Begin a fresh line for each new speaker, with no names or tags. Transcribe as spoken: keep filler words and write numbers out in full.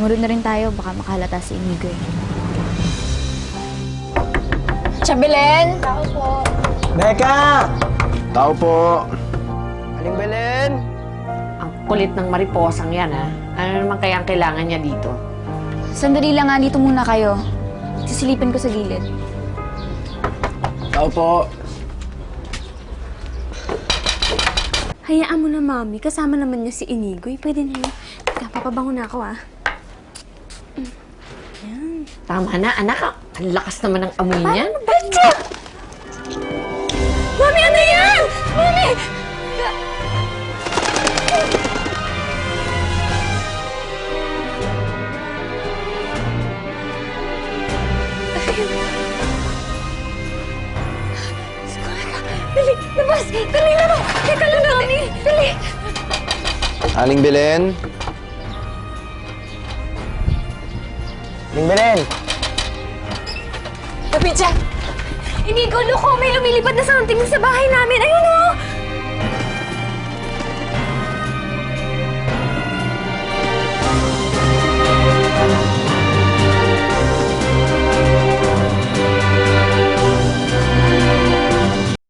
Sumunod na rin tayo, baka makahalata si Inigo eh.
Chabelen! Tao po.
Becca! Tao po. Aling Belen?
Ang kulit ng mariposang yan, ha? Ano naman kaya ang kailangan niya dito?
Sandali lang nga, dito muna kayo. Sisilipin ko sa gilid.
Tao po.
Hayaan mo na, Mami. Kasama naman niya si Inigoy. Pwede na yun. Teka, papabango na ako, ah.
Tama na, anak. Ang lakas naman ng amoy niyan.
Betcha! Mami, ano yan? Mami! Dali! Labas! Dali lang! Teka lang, Mami! Dali!
Aling Belen? Aling Belen?
Kapitya! Inigo, loko! May lumilipad na something sa bahay namin! Ayun, oh!